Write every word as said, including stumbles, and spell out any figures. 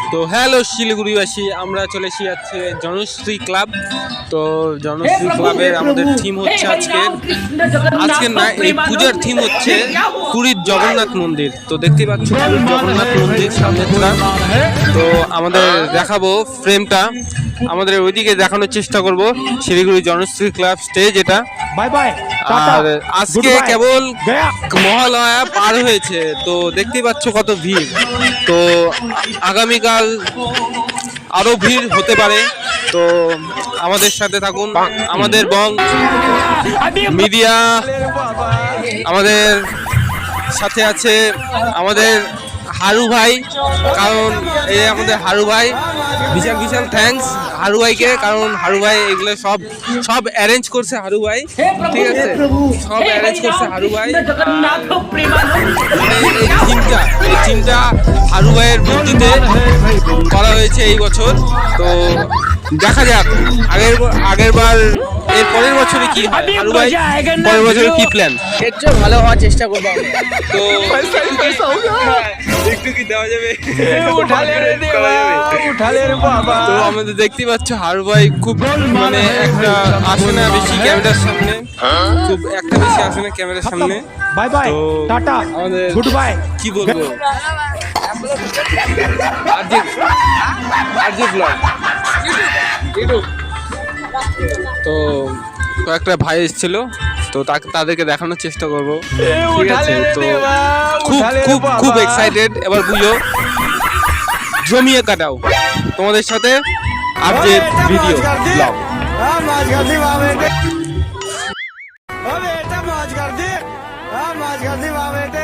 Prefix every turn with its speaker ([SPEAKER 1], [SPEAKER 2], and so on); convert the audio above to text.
[SPEAKER 1] তো হ্যালো শিলিগুড়িবাসী, আমরা চলে এসেছি আজকে জনশ্রী ক্লাব। তো জনশ্রী ক্লাবের আমাদের থিম হচ্ছে আজকে আজকের না এই পূজার থিম হচ্ছে পুরীর জগন্নাথ মন্দির। তো দেখতেই পাচ্ছ পুরীর জগন্নাথ মন্দির সামনেটা। তো আমাদের দেখাবো ফ্রেমটা, আমাদের ওইদিকে দেখানোর চেষ্টা করব শিলিগুড়ি জনশ্রী ক্লাব স্টেজ এটা।
[SPEAKER 2] Bye bye.
[SPEAKER 1] আর আজকে কেবল মহালয়া পার হয়েছে, তো দেখতেই পাচ্ছ কত ভিড়। তো আগামীকাল আরো ভিড় হতে পারে, তো আমাদের সাথে থাকুন। আমাদের বং মিডিয়া আমাদের সাথে আছে আমাদের হারু ভাই, কারণ এই আমাদের হারু ভাই বিশাল বিশাল থ্যাঙ্কস হারু ভাইকে, কারণ হারু ভাই এগুলো সব সব অ্যারেঞ্জ করছে হারু ভাই, ঠিক আছে, সব অ্যারেঞ্জ করছে হারু ভাই। মানে এই থিমটা এই থিমটা হারু ভাইয়ের বুদ্ধিতে করা হয়েছে এই বছর। তো দেখা যাক আগের আগের বার এর পরের বছরে কি হয়। হারু ভাই পরের বছরে কি প্ল্যান?
[SPEAKER 3] এর চেয়ে ভালো হওয়ার চেষ্টা করবো আমরা।
[SPEAKER 1] তো একটু কি দেওয়া যাবে? তো আমাদের দেখতেই পাচ্ছ হারু ভাই খুব মানে একটা আসে না বেশি ক্যামেরার সামনে, খুব একটা বেশি আসে না ক্যামেরার সামনে।
[SPEAKER 2] বাই বাই,
[SPEAKER 1] তো
[SPEAKER 2] টাটা,
[SPEAKER 1] আমাদের
[SPEAKER 2] গুড বাই।
[SPEAKER 1] কি বলবো, আরজে আরজে ব্লগ। তো কয়েকটা ভাই এসেছিল, তো তাদেরকে দেখানোর চেষ্টা করবো, ঠিক আছে। তো খুব খুব খুব এক্সাইটেড, এবার বুঝো জমিয়ে কাটাও তোমাদের সাথে আর যে ভিডিও ব্লগ।
[SPEAKER 4] मौज कर दी, मौज कर दी वाह बेटे।